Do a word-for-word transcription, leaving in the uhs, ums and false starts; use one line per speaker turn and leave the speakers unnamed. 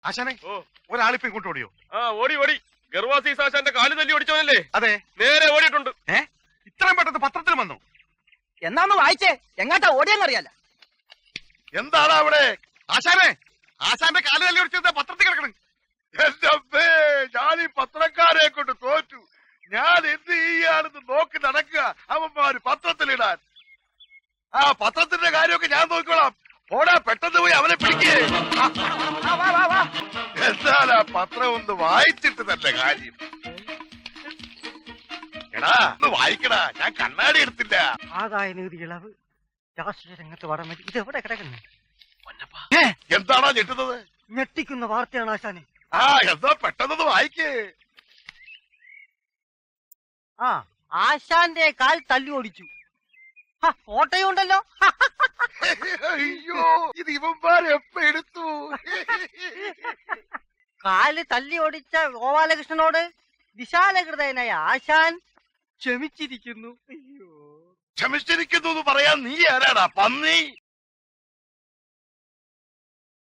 ആശാനെ ഒരാളിപ്പോ ഇങ്ങോട്ട് ഓടിയോ?
ആ ഓടി ഓടി. ഗർവാസീസ് ആശാന്റെ കാല് തല്ലി ഓടിച്ചവനല്ലേ?
അതെ,
നേരെ ഓടിയിട്ടുണ്ട്.
ഏ ഇത്രയും പെട്ടെന്ന് പത്രത്തിൽ വന്നു?
എന്നാന്ന് വായിച്ചേ, എങ്ങാട്ടാ ഓടിയെന്നറിയാല.
എന്താണ് അവിടെ? ആശാനെ, ആശാന്റെ കാല് തല്ലി ഓടിച്ചത് പത്രത്തിൽ കിടക്കണം.
എന്റെ അമ്മേ, ഞാൻ ഈ പത്രക്കാരെ കൊണ്ട് തോറ്റു. ഞാൻ എന്ത് ചെയ്യാണെന്ന് നോക്കി നടക്കുക അവന്മാര് പത്രത്തിലിടാൻ. ആ പത്രത്തിന്റെ കാര്യമൊക്കെ ഞാൻ നോക്കിക്കോളാം. ഓടാ, പെട്ടെന്ന് പോയി അവനെ പിടിക്കേ. എന്താണ് ആ പത്രം ഒന്ന് വായിച്ചിട്ട് തന്നെ കാര്യം. എടാ ഒന്ന് വായിക്കടാ, ഞാൻ കണ്ണാടി എടുത്തില്ല.
ആദായ നികുതി ഇളവ്, രാഷ്ട്രീയ രംഗത്ത് വടമതി, ഇത് എവിടെ കിടക്കുന്നു?
എന്താണോ ഞെട്ടുന്നത്?
ഞെട്ടിക്കുന്ന വാർത്തയാണ് ആശാനെ.
ആ എന്താ പെട്ടെന്ന് വായിക്കേ.
ആ ആശാന്റെ കാൽ തല്ലി ഓടിച്ചു. ഫോട്ടോയും ഉണ്ടല്ലോ.
അയ്യോ, ഇത് ഇവന്മാരെ എപ്പ എടുത്തു?
കാല് തല്ലി ഓടിച്ച ഗോപാലകൃഷ്ണനോട് വിശാലഹൃദയനായ ആശാൻ ക്ഷമിച്ചിരിക്കുന്നു. അയ്യോ,
ക്ഷമിച്ചിരിക്കുന്നു എന്ന് പറയാൻ നീ ആരാടാ പന്നി?